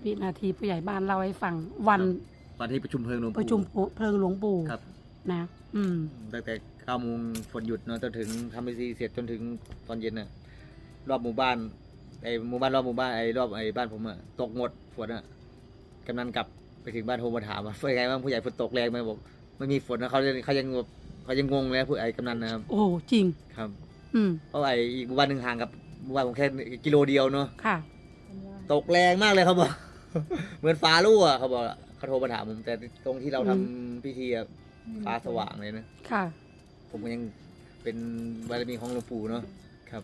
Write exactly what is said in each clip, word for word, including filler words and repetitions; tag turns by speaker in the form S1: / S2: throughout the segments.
S1: วินาทีผู้ใหญ่บ้านเล่าให้ฟังวัน
S2: วันที่ประชุมเพลิงหลวงปู่
S1: ประชุมเพลิงหลวงปู่
S2: ครับ
S1: นะอืม
S2: ตั้งแต่เก้าโมงฝนหยุดเนาะจนถึงทำพิธีเสร็จจนถึงตอนเย็นน่ะรอบหมู่บ้านไอ้หมู่บ้านรอบหมู่บ้านไอ้รอบไอ้บ้านผมอะตกหมดฝนอะกำนันกลับไปถึงบ้านโทรมาถามว่าเป็นไงบ้างผู้ใหญ่ฝนตกแรงไหมบอกไม่มีฝนนะเขาเขายังเขายังงงเลยผู้ไอ้กำนันนะครับ
S1: โอ้จริง
S2: ครับ
S1: อืม
S2: เพราะไอ้อีกหมู่บ้านหนึ่งห่างกับหมู่บ้านผมแค่กิโลเดียวเนาะ
S1: ค่ะ
S2: ตกแรงมากเลยเขาบอก เหมือนฟ้ารั่วเขาบอกเขาโทรมาถามผมแต่ตรงที่เราทำพิธีอะฟ้าสว่างเลยนะ
S1: ค่ะ
S2: ผมก็ยังเป็นบารมีของหลวงปู่เนาะครับ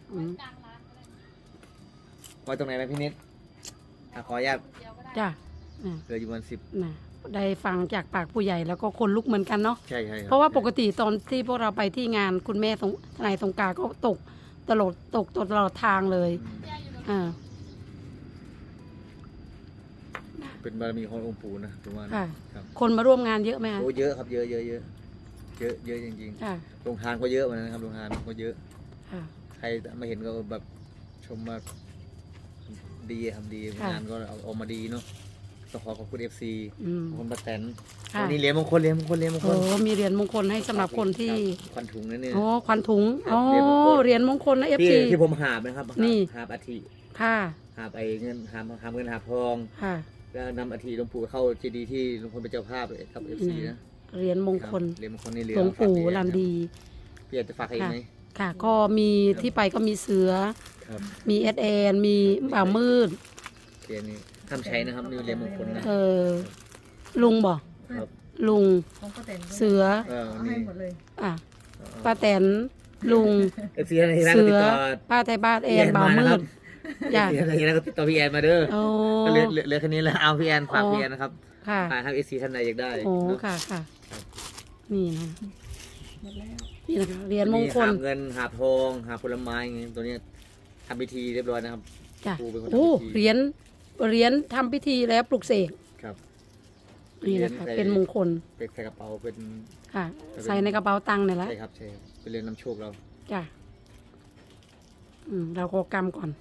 S2: ไว้ตรงไหนไหมพี่นิดขออนุญาต
S1: จ้ะ
S2: เหลืออยู่วันสิบ
S1: นะได้ฟังจากปากผู้ใหญ่แล้วก็คนลุกเหมือนกันเนาะ
S2: ใช่ใช่
S1: เพราะว่าปกติตอนที่พวกเราไปที่งานคุณแม่ทนายสงกรานต์ก็ตกตลอดตกตลอดทางเลยอ่า
S2: เป็นบารมีขององค์ปู่นะผมว่า
S1: ค่ะคนมาร่วมงานเยอะไหมคะ
S2: โอ้เยอะครับเยอะเยอะเยอะเยอะเยอะจริงๆโรงทานก็เยอะเหมือนกันครับโรงทานก็เยอะใครมาเห็นก็แบบชมมาดีทำดีงานก็เอาออกมาดีเนาะต้องขอขอบคุณเอฟซีคนประแตนวันนี้เหรียญมงคลเหรียญมงคลเหรียญมงคล
S1: โอ้มีเหรียญมงคลให้สำหรับคนที่
S2: ควันถุงนั่นเนี่ย
S1: โอ้ควันถุงโอ้เหรียญมงคลนะเอฟซี
S2: ที่ผมหาบนะครับ
S1: นี่
S2: หาบอาทิ
S1: ค่ะ
S2: หาบไอ้เงินหาบหาบเงินหาบทอง
S1: ค่ะ
S2: แล้วนำอาทิหลวงปู่เข้าเจดีย์ที่หลวงพ่อเป็นเจ้าภาพเลยครับเอฟซีนะ
S1: เหรียญมงคล
S2: เหรียญมงคลในเหรียญ
S1: หลวงปู่ลันดี
S2: พี่อยากจะฝากใครไหม
S1: ค่ะก็มีที่ไปก็มีเสือมีเอสแอนมีบ่าวมืด
S2: เหรียญนี้ทำใช้นะครับนี่เหรียญมงคลนะ
S1: เออลุงบอกลุงเสือ
S3: ให้หมดเลย
S1: อ่ะป้าแตนลุง
S2: เสือ
S1: ป้าไทยบ้านแอนบ่าวมืด
S2: อยากอะไรนะก็ติดต่อพี่แอนมาเด้อเหลือเหลือแค่นี้แล้วเอาพี่แอนฝากพี่แอนนะครับ
S1: ค่ะ
S2: ฝากให้เอซีท่านใดอยากได้
S1: โอ้ค่ะค่ะนี่นะนี่นะคะเหรียญมงคล
S2: หาเงินหาทองหาผลไม้ไงตัวนี้ทำพิธีเรียบร้อยนะครับ
S1: จ้ะโอ้เหรียญเหรียญทำพิธีแล้วปลุกเสก
S2: ครับ
S1: นี่นะคะเป็นมงคล
S2: เป็นใส่กระเป๋าเป็น
S1: ค่ะใส่ในกระเป๋าตังค์เนี่ยแหละ
S2: ใช่ครับใช่เป็นเรื่องนำโชคเรา
S1: จ้ะอืมเราก็กำก่อน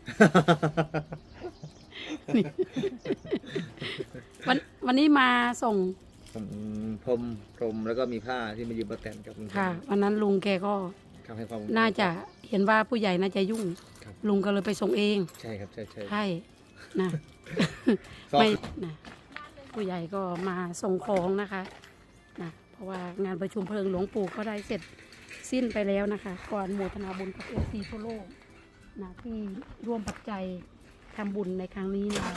S1: วันวันนี้มาส่ง
S2: พรมพรมแล้วก็มีผ้าที่มายืมประแตนกับลุง
S1: ค่ะวันนั้นลุงแกก็น่าจะเห็นว่าผู้ใหญ่น่าจะยุ่งลุงก็เลยไปส่งเอง
S2: ใช่ครับใช่ใช่
S1: ใช่นะไม่นะผู้ใหญ่ก็มาส่งของนะคะนะเพราะว่างานประชุมเพลิงหลวงปู่ก็ได้เสร็จสิ้นไปแล้วนะคะก่อนโมทนาบุญกับเอฟซีทั่วโลกนะที่ร่วมปัจจัยทำบุญในครั้งนี้นะ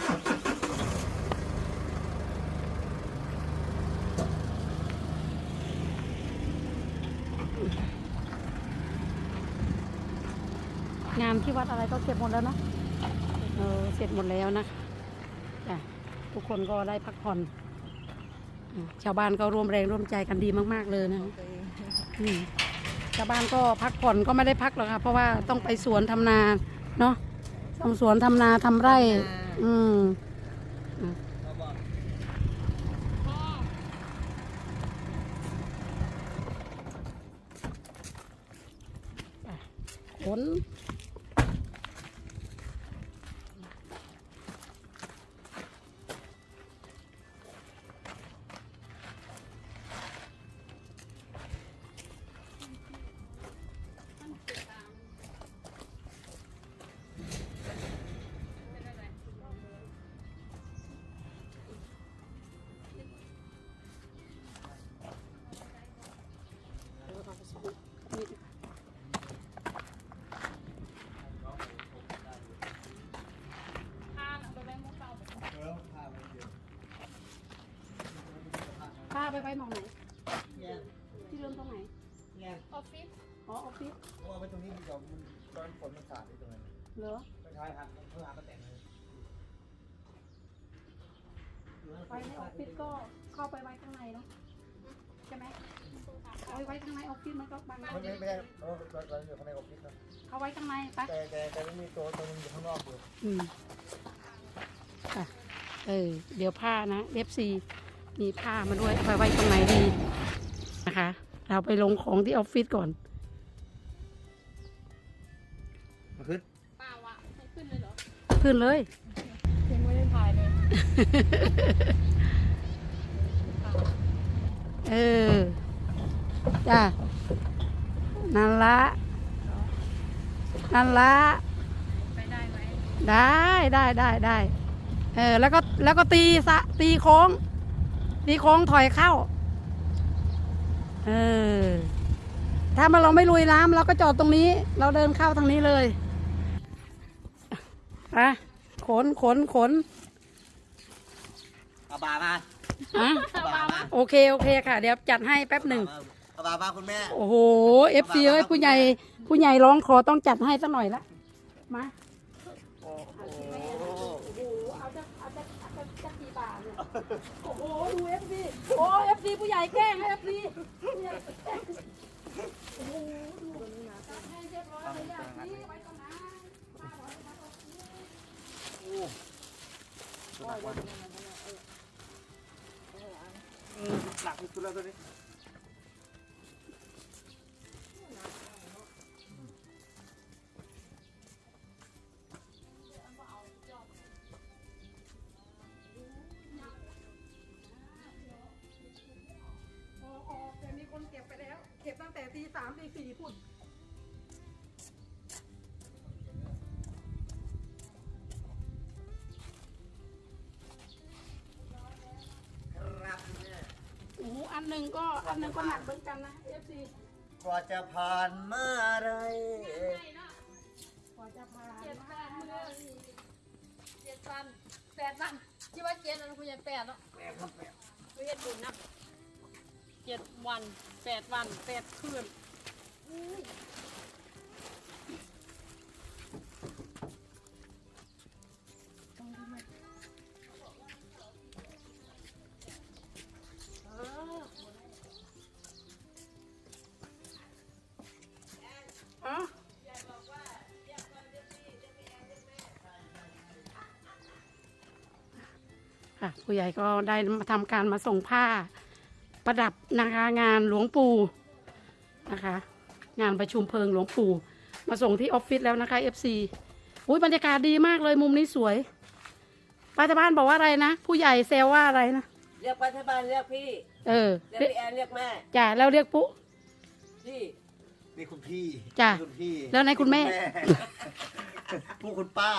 S1: งานที่วัดอะไรก็เสร็จหมดแล้วเนาะเออเสร็จหมดแล้วนะคะจ้ะทุกคนก็ได้พักผ่อนชาวบ้านก็ร่วมแรงร่วมใจกันดีมากๆเลยนะชาวบ้านก็พักผ่อนก็ไม่ได้พักหรอกค่ะเพราะว่าต้องไปสวนทำนาเนาะทำสวนทำนาทำไร่อืมขนป้าไปไปมองไหนที่เริ่มตรงไหนออฟฟิศอ๋อออฟฟิศ
S2: เพราะว่าไปตรงนี้มันจะมันตอนฝนมันสาดที่ตรงนั้น
S1: เหรอ
S2: ไม่ใช่ครับเพื่อหาประแตนเลย
S1: ไปในออฟฟิศก็เข้าไปไว้ข้างในเนาะใช่ไหมเอาไว้ข้างในออฟฟิศมันก็บาง
S2: ไม่ไม่ใช่เออเราอยู่ข้างในออฟฟิศครับ
S1: เขาไว้ข้างในปะ
S2: แต่แต่แต่ไม่มีตัวตัวนึงอยู่ข้างนอกอยู่
S1: อืมค่ะเออเดี๋ยวผ้านะเอฟซีมีผ้ามาด้วยเอาไปไว้ตรงไหนดีนะคะเราไปลงของที่ออฟฟิศก่อน
S2: มาขึ้น
S3: ป้าวะให้ขึ้นเลยเหรอ
S1: ขึ้นเลย
S3: ยังไม่ได้ถ่ายเลย
S1: เออจ้ะนั่นละนั่นละไปได้ไหมได้ได้ได้ได้เออแล้วก็แล้วก็ตีสะตีโค้งตีโค้งถอยเข้าเออถ้ามาเราไม่ลุยน้ำเราก็จอดตรงนี้ เราเดินเข้าทางนี้เลยอะขนขนขน
S2: เอาบามา
S1: อะ
S2: เอาบามา
S1: โอเคโอเคค่ะ เดี๋ยวจัดให้แป๊บหนึ่ง
S2: เอาบามาคุณแม่
S1: โอ้โหเอฟซีเอ้ยผู้ใหญ่ผู้ใหญ่ร้องขอต้องจัดให้สักหน่อยละมา
S2: โอ้โห
S1: โอ้โหเอาจะเอาจะเอาจะจะกี่บาทเนี่ยโอ้โหดูเอฟซีโอ้เอฟซีผู้ใหญ่แกล้งเอฟซีผู้ใหญ่แกล้งโอ้โหดูจัดให้เรียบร้อยเลยอ่ะนี่ไว้ตรงนั้นมาขอให้มาตรงนี้
S2: หนักที่สุดแล้วตัวนี้
S1: ออกออกแต่มีคนเก็บไปแล้ว เก็บตั้งแต่ตีสามตีสี่พุ่นโอ้โหอันหนึ่งก็อันหนึ่งก็หนักเหมือนกันนะเอฟซี
S2: กว่าจะผ่านมาอะไร
S1: กว่าจะผ่าน
S3: เจ็ดวันเมื่อเจ็ดวันแปดวันที่ว่าเจ็ดวันคุณยายแปดเนาะคุณยายบุญนะเจ็ดวันแปดวันแปดคืน
S1: อ๋อค่ะผู้ใหญ่ก็ได้มาทำการมาส่งผ้าประดับนะคะงานหลวงปู่นะคะ งานประชุมเพลิงหลวงปู่มาส่งที่ออฟฟิศแล้วนะคะเอฟซีอุ้ยบรรยากาศดีมากเลยมุมนี้สวยป้าตาบ้านบอกว่าอะไรนะผู้ใหญ่แซวว่าอะไรนะ
S4: เรียกปัจจุบันเรียกพี่
S1: เออ
S4: เรียกพี่แอนเรียกแม่
S1: จ้ะแล้วเรียกปุ๊
S4: พี่
S2: นี่คุณพี่
S1: จ้ะ
S2: นี่คุณพี่
S1: แล้วไหนคุณแม่
S2: ผู้คุณป้า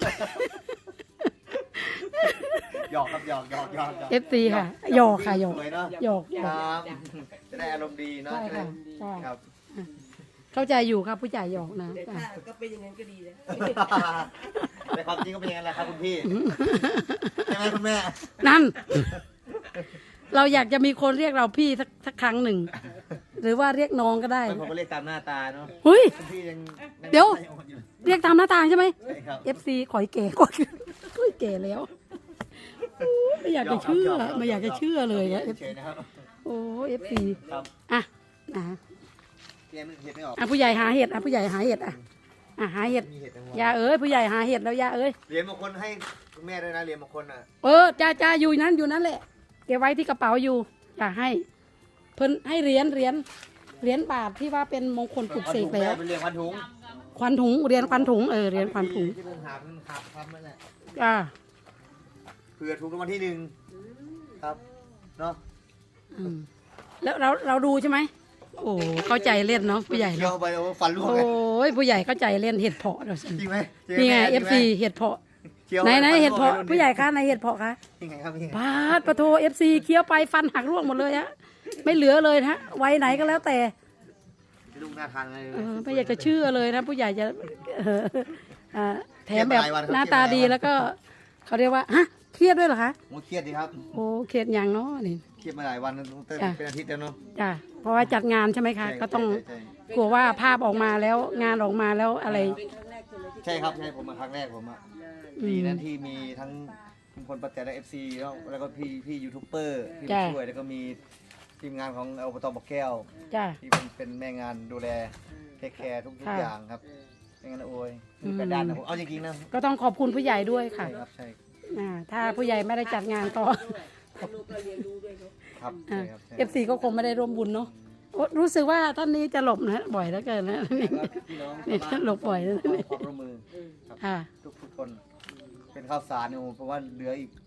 S2: หยอกครับหยอกหยอกหยอกหยอก
S1: เอฟซีค่ะหยอกค่ะหยอก
S2: สวยเนาะ
S1: หยอกหย
S2: ค
S1: อก
S2: รับจะได้อารมณ์ดีเนาะ
S1: ใช่
S2: จะได้
S1: ค่ะใช่
S2: ครับ
S1: เข้าใจอยู่ครับผู้ใหญ่หยอกนะ
S4: แต่
S1: จ้ะ
S4: ถ้าก็เป็นอย่างนั้นก็ดีนะ
S2: แต่ความจริงก็เป็นอย่างนั้นแหละครับคุณพี่ใช่ไหมคุณแม่
S1: นั่น เราอยากจะมีคนเรียกเราพี่สักสักครั้งหนึ่ง หรือว่าเรียกน้องก็ได้
S2: บางคนก็เรียกตามหน้าตาเนาะ
S1: เฮ้ย
S2: คุณพี่ยังง
S1: เดี๋ยว
S2: งอ่อนอยู่
S1: เรียกตามหน้าต่างใช่ไหม
S2: ใช่ครับ
S1: เอฟซีขอยเก๋กว่าคุยเก๋แล้วไม่อยากจะเชื่อไม่อยากจะเชื่อเลยนะ
S2: เฉยๆนะครับ
S1: โอ้เอฟซี
S2: ครับ
S1: อ่ะอ่ะ
S2: พี่แอนไม่เห็ดไม่ออก
S1: อ่ะผู้ใหญ่หาเห็ดอ่ะผู้ใหญ่หาเห็ดอ่ะอ่ะหาเห็ด
S2: มีเห็ดทั้งหมด
S1: ยาเอ้ยผู้ใหญ่หาเห็ดแล้วยาเอ้ย
S2: เหรียญบางคนให้คุณแม่ด้วยนะเหรียญบางคนอ่ะ
S1: เออจ้าจ้าอยู่นั้นอยู่นั้นแหละเก็บไว้ที่กระเป๋าอยู่อยากให้ เพิ่นให้เหรียญเหรียญเหรียญบาทที่ว่าเป็นมงคลปลุกเสกแล้ว
S2: เป็นเหรียญพันถุง
S1: ควันถุงเหรียญควันถุงเออเหรียญควันถุง
S2: ที่ผมหาเพิ่งหาทำนั่นแหละ
S1: จ้า
S2: เผื่อถูกรางวัลที่หนึ่งครับเนาะ
S1: อืมแล้วเราเราดูใช่ไหมโอ้เข้าใจเล่นเนาะผู้ใหญ่
S2: เคี้ยว
S1: เนาะ
S2: ไปโอ้ฟันร่วง
S1: โอ
S2: เลย้
S1: ยผู้ใหญ่เข้าใจเล่นเห็ดเพาะเราสิ
S2: จริงไหมจริ
S1: นี่ไง
S2: หม
S1: เอฟซี
S2: จริงไหม
S1: เห็ดเพาะ
S2: เคี้ยว
S1: ไหนไหน
S2: ฟั
S1: เห็ดเพาะ
S2: ร่วงลย
S1: ผู้ใหญ่คะไหนเห็ดเพาะคะ
S2: ยังไงครับยังไง
S1: ปาดปะโทเอฟซีเคี้ยวไปฟันหักร่วงหมดเลยฮะไม่เหลือเลยนะฮะไว้ไหนก็แล้วแต่
S2: ลูกน่าทานเลย
S1: เออไม่อยากจะเชื่อเลยนะ ผู้ใหญ่จะเออเอ่อแถมแบบหน้าตาดีแล้วก็เขาเรียกว่าฮะเครียดด้วยเหรอคะ
S2: โอ้เครียดดีครับ
S1: โอ้เครียดอย่างเนาะนี่
S2: เครียดมาหลายวันตั้งแต่
S1: จ้ะ
S2: เป็นอาทิตย์แล้วเนาะ
S1: จ้ะเพราะว่าจัดงานใช่ไหมคะ
S2: ใช่
S1: ก็ต้อง
S2: ใช่ใช่
S1: กลัวว่าภาพออกมาแล้วงานออกมาแล้วอะไร
S4: เป็นครั้งแรกใช่ไหมที่
S2: ใช่ครับใช่ผมมาครั้งแรกผมอ่ะ
S1: อืม
S2: ดีนะที่มีทั้งคุณพลปัจจัยและเอฟซีแล้วแล้วก็พี่พี่ยูทูบเบอร์ที่
S1: จ้ะ
S2: มาช่วยแล้วก็มีทีมงานของอบตบอกแก้ว
S1: จ้ะ
S2: ที่เป็นเป็นแม่งานดูแลเทคแคร์ทุกทุก
S1: ค่ะ
S2: อย่างครับไม่งั้นนะโอ้ย
S1: อืม
S2: เป็นด้านนะผมเอาจริงๆนะ
S1: ก็ต้องขอบคุณผู้ใหญ่ด้วยค่ะ
S2: ใช่ครับใช่
S1: อ่าถ้าผู้ใหญ่ไม่ได้จัดงานก็
S4: ให้ลูกเราเรียนรู้ด้วยเนาะ
S2: ครับใช่ครับใช่
S1: เอฟซีก็คงไม่ได้ร่วมบุญเนาะโอ้รู้สึกว่าท่านนี้จะหลบนะบ่อยเหลือเกินนะ
S2: แล้วก็พี่น้อง
S1: นี่
S2: ชาวบ้าน
S1: หลบบ่อยนะ
S2: ขอความร่วมมือครับ
S1: ค่ะ
S2: ทุกทุกคนเป็นข้าวสารเนี่ยผมเพราะว่าเหลืออีก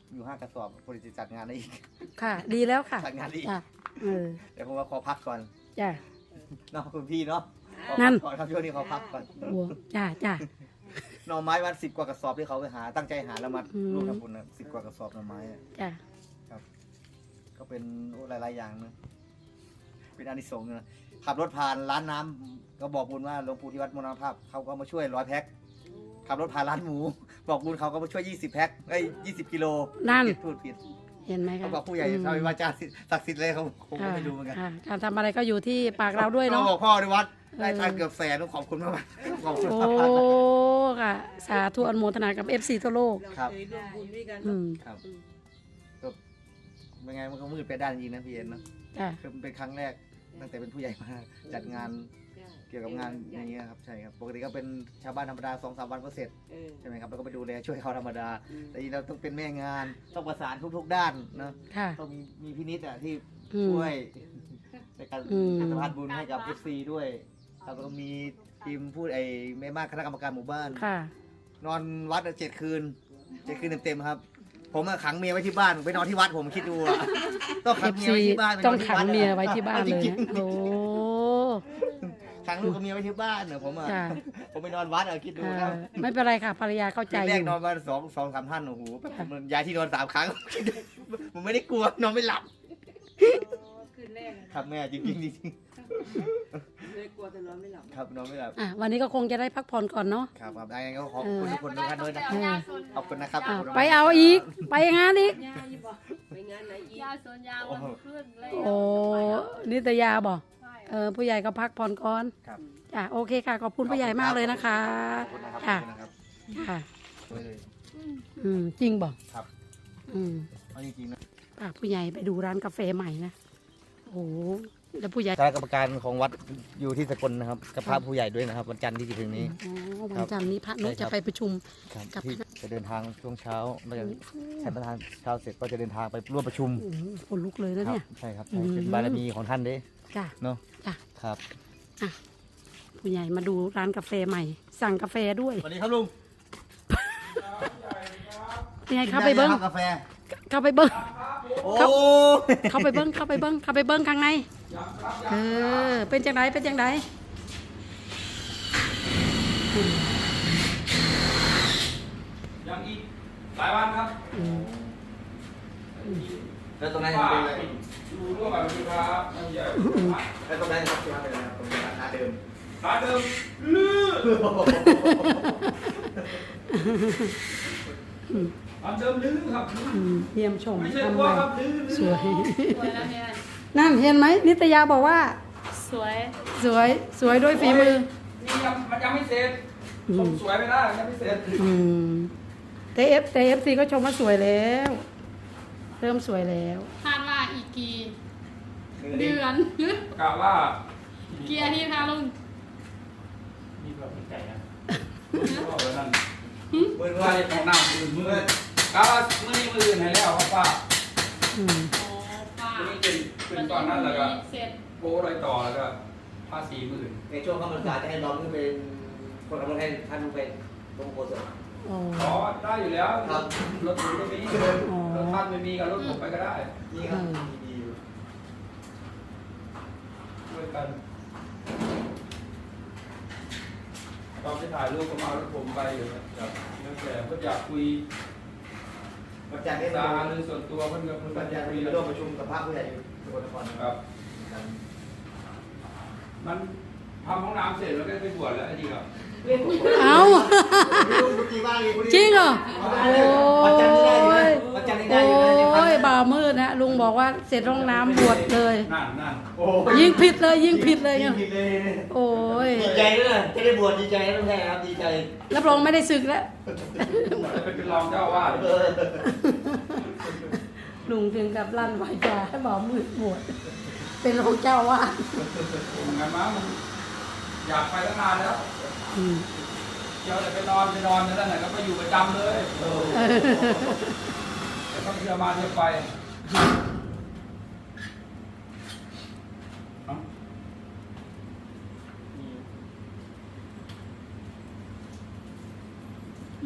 S2: อยู่ห้ากระสอบพอดีจะจัดงานได้อีก
S1: ค่ะ ดีแล้วค่ะ
S2: จัดงานได้อีก
S1: จ้ะเออ
S2: แต่ผมว่าขอพักก่อน
S1: จ้ะ
S2: เนาะคุณพี่เนาะขอ
S1: นั่
S2: พั
S1: น
S2: กก่อนครับช่วงนี้ขอพักก่อน
S1: บัวจ้ะจ้ะ
S2: หน่อไม้วันสิบกว่ากระสอบที่เขาไปหาตั้งใจหาแล้วมา
S1: อืม
S2: ร่วมทำบุญนะสิบกว่ากระสอบหน่อไม้อะ
S1: จ้ะ
S2: ก็เป็นหลายๆอย่างนะเป็นอานิสงส์นะขับรถผ่านร้านน้ำก็บอกบุญว่าหลวงปู่ที่วัดมรณภาพเขาก็มาช่วยร้อยแพ็คขับรถผ่านร้านหมู บอกบุญเขาก็มาช่วยยี่สิบแพ็คไอ้ยี่สิบกิโล
S1: นั่น
S2: ผิดพูดผิด
S1: เห็นไหมคะ
S2: เขาบอกผู้ใหญ่
S1: อืม
S2: ทำเป็นวาจาศักดิ์สิทธิ์เลยเขาผมก็
S1: ค่ะ
S2: ไม่รู้เหมือนกัน
S1: ค่ะการทำอะไรก็อยู่ที่ปากเราด้วยเนาะ
S2: เขาบอกพ่อในวัดได้
S1: เออ
S2: ทานเกือบแสนต้องขอบคุณมากๆขอบคุณ
S1: โอ้
S2: มากๆ
S1: ค่ะ สาธุอนุโมทนากับ เอฟ ซี ทั่วโลก
S4: เรา
S2: ครับ
S4: เคยร่วมบุญด้วยกัน
S1: อืม
S2: ครับก็เป็นไงมันก็มืดไปด้านจริงนะพี่เอ็นเนาะ
S1: จ้ะ
S2: คือมันเป็นครั้งแรกตั้งแต่เป็นผู้ใหญ่มาจัดงานเกี่ยวกับงานอย่างเงี้ยครับใช่ครับปกติก็เป็นชาวบ้านธรรมดาสองสามวันก็เสร็จ
S4: เออ
S2: ใช่ไหมครับแล้วก็ไปดูแลช่วยเขาธรรมดา
S4: อืม
S2: แต่ทีนี้เราต้องเป็นแม่งานต้องประสานทุกๆด้านนะ
S1: ค่ะ
S2: ต้องมีมีพินิจอ่ะที่
S1: อืม
S2: ช่วยในการ
S1: อืม
S2: สะพานบุญให้กับ เอฟ ซี ด้วยครับแล้วก็มีทีมพูดไอ้แม่มากคณะกรรมการหมู่บ้าน
S1: ค่ะ
S2: นอนวัดเจ็ดคืนเจ็ดคืนเต็มๆครับ ผมอะขังเมียไว้ที่บ้านไปนอนที่วัดผมคิดดูอะต้องขังเมีย
S1: เอฟ ซี
S2: ไว้ที่บ้านไปน
S1: ต้
S2: อ
S1: อน ง
S2: ที่
S1: ขั
S2: วั
S1: ง
S2: ดะ
S1: เมียไว้ที่บ้านเลย
S2: จริง
S1: นะ
S2: ๆ
S1: โอ้
S2: ขังลูกกับเมียไว้ที่บ้านเนอะผมอะ
S1: จ้ะ
S2: ผมไปนอนวัดอะคิดดู
S1: อ่า
S2: ครับ
S1: ไม่เป็นไรค่ะภรรยาเข้าใจ
S2: คืน
S1: อ
S2: แรก
S1: ยู่
S2: นอนมาสองสองสามท่านโอ้โห
S1: ค่ะ
S2: มันย้ายที่นอนสามครั้ง ผมไม่ได้กลัวนอนไม่หลับ
S3: คืนแรกอะ
S2: ครับแม่จริงๆจริง
S4: เลยกลัวแต่นอนไม่หลับ
S2: ๆครับนอนไม่หลับ
S1: อ่ะวันนี้ก็คงจะได้พักผ่อนก่อนเนาะ
S2: ครับครับยังไงก็ขอบคุณทุกคนทุกท่านด้วยนะ
S3: เอ
S2: ขอบคุณนะครับ
S1: อ่ะ
S2: ขบคุณมก
S1: ไปเอาอีก ไปงานอีก
S3: ยาอยู่บ่
S4: ไปงานไหนอีก
S3: ยาสวนยาวันขึ้นเลย
S1: โอ้นิตยาบอก
S3: ใช่
S1: เออผู้ใหญ่ก็พักผ่อนก่อน
S2: ครับ
S1: จ้ะโอเคค่ะ ขอบคุณผู้ใหญ่มากเลยนะคะ
S2: ขอบคุณนะครับข
S1: ค่ะ
S2: อบคุณนะครับ
S1: ค่ะ
S2: ช่วยเลย
S1: อืมจริงบอก
S2: ครับ
S1: อืม
S2: เอาจริงๆนะ
S1: พาผู้ใหญ่ไปดูร้านกาแฟใหม่นะโอ้โหแล้วผู้ใหญ่
S2: คณะกรรมการของวัดอยู่ที่สกลนะครับกับพระผู้ใหญ่ด้วยนะครับวันจันทร์ที่จะถึงนี้
S1: อ๋อวันจันทร์นี้พระนุ
S2: ใช่ครั
S1: จะ
S2: บ
S1: ไปประชุม
S2: ครับ
S1: กับ
S2: ที่
S1: คณะ
S2: จะเดินทางช่วงเช้าแล้วก็ฉันประธานเช้าเสร็จก็จะเดินทางไปร่วมประชุม
S1: โอ้โหคนลุกเลยนะ
S2: ครั
S1: เนี่ย
S2: ใช่ครับ
S1: อื
S2: ใช่
S1: ม
S2: เป็นบารมีของท่านเด้
S1: จ้ะ
S2: เนาะ
S1: จ้ะ
S2: ครับ
S1: ผู้ใหญ่มาดูร้านกาแฟใหม่ สั่งกาแฟด้วย
S2: สวัสดีครับลุง
S1: ยังไงเข้าไปเบิ้ง
S2: กินด้หมครับกาแฟ
S1: เข้าไปเบิ้ง
S2: โอ้
S1: ครับ เข้าไปเบิ้งเข้าไปเบิ้งเข้าไปเบิ้งข้างในเออเป็นจังไดเป็นจังได
S5: ยังอีกหลายวันครับ
S1: อืม
S2: แล้วตรงนั้นจะเป็นอะไร
S5: ดูร่วมกับลูกค้าไม่ใหญ่
S2: แล้วตรงนั้นจะเป็นอะไรครับตรงร้านเดิม
S5: ร้านเดิมลื้อร้านเดิมลื้อครับลื้อ
S1: อืมเยี่ยมชม
S5: ไม่ใช่
S1: ทำ
S5: กลัว
S1: ใหม่
S5: ครับลื้อลื้อ
S1: สวย
S3: สวยแล้วเนี่ย
S1: นั่นเห็นไหมนิตยาบอกว่า
S3: สวย
S1: สวยสวยด้วยฝีมือ
S5: นี่ยังมันยังไม่เสร็จ
S1: อืม
S5: ผมสวยไม่ได้ยังไม่เสร็จ
S1: อืมแต่เอฟแต่เอฟซีก็ชมว่าสวยแล้ว เริ่มสวยแล้ว
S3: คาดว่าอีกกี่เดือน
S5: กะว่า
S3: กี่อาทิตย์คะลุง
S5: มีแบบใจนะก็แบบนั้น
S2: เมื่อ
S5: ใส่ของน้ำมือมือกะว่ามือนี้มืออื่นให้แล้วครับป้า
S1: อืม
S3: อ๋อค่ะ
S5: มือนี้เป็นเป็นตอนนั้นแล้วก็
S3: เสร็จ
S5: โป้รอยต่อแล้วก็ภาษีมืออื่น
S2: ในช่วงเข้าพรรษาจะให้น้องขึ้นเป็นคนขับรถให้ท่านลุงเป็นลงโคศก
S1: อ๋อ
S5: อ๋อได้อยู่แล้ว
S2: ครับ
S5: รถผมก็มี
S1: อ๋อ
S5: รถท่านไม่มีกับรถผมไปก็ได้
S2: นี่ครับดีอยู่
S5: ช่วยกันตอนที่ถ่ายรูปก็มาเอารถผมไปอยู่นะครับแล้วแต่ก็อยากคุย
S2: วันจันทร์นี้
S5: ตา
S2: มา
S5: หรือส่วนตัวเพื่อนกับเพื่อน
S2: วันจันทร์
S5: คุย
S2: นี้
S5: กั
S2: มาน ร่วมประชุมกับพระผู้ใหญ่อยู่สกลนครนะ
S5: ค
S2: ค
S5: รั
S2: รั
S5: บบ มันทำห้องน้ำเสร็จแล้วก็ไปบวชแล้วไอ้ดีครับ
S1: เอา
S2: จริงบ้างเลย
S1: จริงเหรอโอ้
S2: วันจันทร์นี้ได้อยู่นะ
S1: ย
S2: วันจันทร์นี้
S1: โอ
S2: ได้อยู่นะเนี่ย
S1: ้ยบ่าวมืดนะลุงบอกว่าเสร็จห้องน้ำบวชเลย
S5: นั่นนั่น
S2: โอ้
S1: ยิ่งผิดเลยยิ่งผิดเลย
S2: ยิ่
S1: เนี่
S2: ง
S1: ย
S2: ผิดเลย
S1: โอ้ย
S2: ดีใจด้วยนะจะได้บวชดีใจนะลุงแท้ครับดีใจ
S1: รับรองไม่ได้ศึกแล้ว
S5: บวชแล้วไปเป็นรองเจ้าอาวาส
S2: เออ
S1: ลุงถึงกับลั่นวาจาให้บ่าวมืดบวชเป็นรองเจ้าอาว่าส
S5: ผมไงมั้งมันอยากไปตั้งนานแล้ว
S1: อืม
S5: เดี๋ยวจะไปนอนไปนอนนั่นแหละก็ไปอยู่ประจำเลย
S2: เออ
S5: แต่ต้องเที่ยวมาเที่ยวไปเอ้าทำ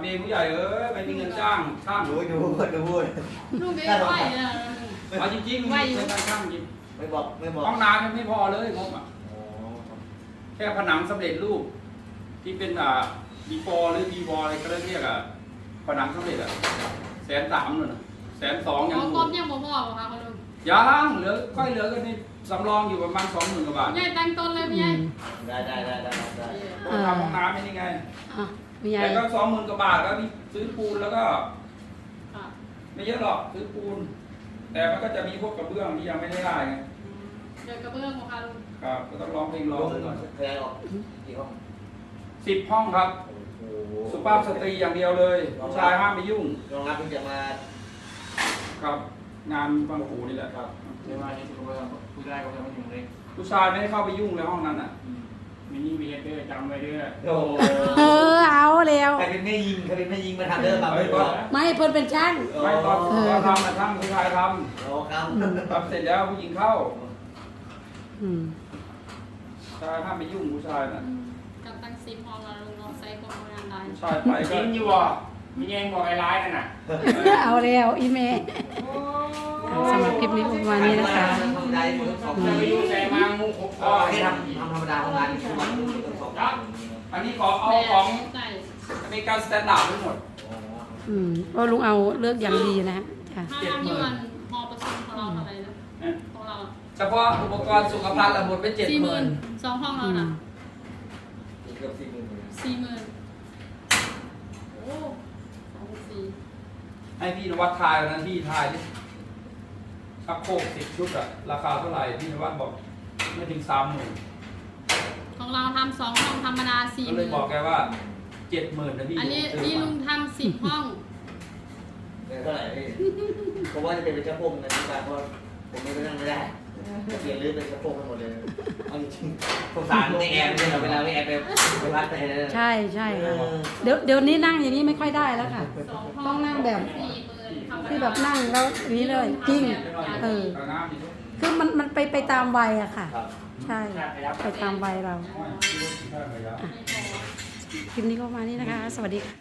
S5: เองผู้ใหญ่เอ้ยไม่มีเงินจ้างช่าง
S2: ดูดูดู
S3: ลูกเอ้ยไหวเนี่ย
S5: เอาจริงๆไม่ใช่การช่างจริง
S2: ไม่บอกไม่บอก
S5: ห้องน้ำยังไม่พอเลยงบอ่ะแค่ผนังสำเร็จรูปที่เป็นอ่าบีฟอหรือบีวออะไรก็เรียกอ่ะผนังสำเร็จอ่ะแสนสามเลยนะแสนสองยัง
S3: เอา
S5: อยู่
S3: ก้มยังบ่พอค่ะคุณลุง
S5: ยังเหลือค่อยเหลือกันนี่สำรองอยู่ประมาณสองหมื่นกว่าบาท
S3: ใหญ่ตั้งต้นเลยพี่ใหญ่
S2: ได้ได้ได้ได้ได้
S5: ก็ทำห้องน้ำไม่นี่ไง
S1: อ่ะมีใหญ่
S5: แต่ก็สองหมื่นกว่าบาทแล้วนี่ซื้อปูนแล้วก็
S3: ค่ะ
S5: ไม่เยอะหรอกซื้อปูน แต่มันก็จะมีพวกกระเบื้องที่ยังไม่ได้ได้ไง
S3: เดี๋ยวกระเบื้องของค่ะลุง
S5: ครับก็ต้องร้องเพลงร้
S2: ล
S5: อง
S2: ง
S5: ไปก่อน
S2: ขยายออกกี่ห้อง
S5: สิบห้องครับ
S2: โอ้โห
S5: สุภาพสตรีอย่างเดียวเลยผู้ชายห้ามไปยุ่ง
S2: รองรับเพิ่งจะมา
S5: ครับ งานบางปูนี่แหละครับ
S6: เดี๋ยวมาในสุขภาพผู้ชายก็จะมาอยู่เลย
S5: ผู้ชายไม่ให้เข้าไปยุ่งในห้องนั้นอ่ะ
S6: มินิเวียเดอร์จำไว้ด้วย
S2: โอ้โห
S1: เออเอาแล้ว
S2: ใครเป็นแม่ยิงใครเป็นแม่ยิงมาทำเด้อมาไม่บอก
S1: ไม่เพิ่นเป็นช่าง
S5: ไม่ตอนตอนทำนะช่างผู้ชายท
S2: โอ้ครับ
S5: ำทำเสร็จแล้วผู้หญิงเข้า
S1: อืม
S5: ผู้ชายห้ามไปยุ่งผู้ชายน่ะ
S3: กับตั้งซิมห้องเราลุงเราใส่คนงานได้
S5: ผู้ชายไปก็
S6: จริงอยู่บ่มีแยงบอกไอ้ร้ายนั่นน่ะ
S1: เอาแล้วอีเมย์สำหรับคลิปนี้ประมาณนี้นะคะ
S2: ทำได้หมดทั้งสอง
S6: จะไปยุ่งแต่มางูขบ
S2: ก็ให้ทำทำธรรมดาทำงานทุกวันทั้งสอง
S5: อันนี้ขอเอาของ
S3: ใส่
S5: อเมริกันสแตนดาร์ดทั้งหมด
S1: อืมเพราะลุงเอาเลือกอย่างดีนะฮะจ้ะ
S3: ถ้าเราอยู่วันหอประชุมของเราเท่าไหร่นะของเรา
S5: เฉพาะอุปกรณ์สุขภัณฑ์ละหมดไปเจ็ด
S3: สี่
S5: ห
S3: ห
S5: มื่
S3: มื่
S5: น
S3: นสองห้องเรา
S1: อื
S3: น่ะ
S1: ม
S2: เกือบสี่หมื่น
S3: สี่หมื่นโอ้สองสี่
S5: ให้พี่นวัดทายวันนั้นพี่ทายดิชักโครกสิบชุดอะราคาเท่าไหร่พี่นวัดบอกไม่ถึงสามหมื่น
S3: ของเราทำสองห้องธรรมดาสี่
S5: ก็
S3: ห
S5: เลย
S3: มื่น
S5: บอกแกว่าเจ็ดหมื่นนะพี่
S3: อันนี้
S5: ซื้
S3: นี่
S5: มา
S3: ลุงทำสิบห้อง
S2: เท่าไหร่พี่เพราะว่าจะเป็นเป็นเจ้าพงนะที่บ้านเพราะผมไม่ไปนั่งไม่ได้เปลี่ยนรื้อเป็นเจ้าพงกันหมดเลยเอาจริงสงสารในแอร์เนี่ยเวลาไม่แอร์ไปไปวัดไปเลย
S1: ใช่ใช่ค่ะเดี๋ยวเดี๋ยวนี้นั่งอย่างนี้ไม่ค่อยได้แล้วค่ะ
S3: สองห้
S1: ต้องนั่งแบบ
S3: สี่หมื่นธรรมดา
S1: ที่แบบนั่งแล้วอย่างนี้เลยจริง เออ
S5: เอาน้ำดิ
S1: คือมันมันไปไปตามวัยอะค่ะ
S2: ครับ
S1: ใช่ไปตามวัยเรา
S5: ไม่รู้ที่ท่าไหนอะ
S1: คลิปนี้ก็ประมาณนี้นะคะ สวัสดีค่ะ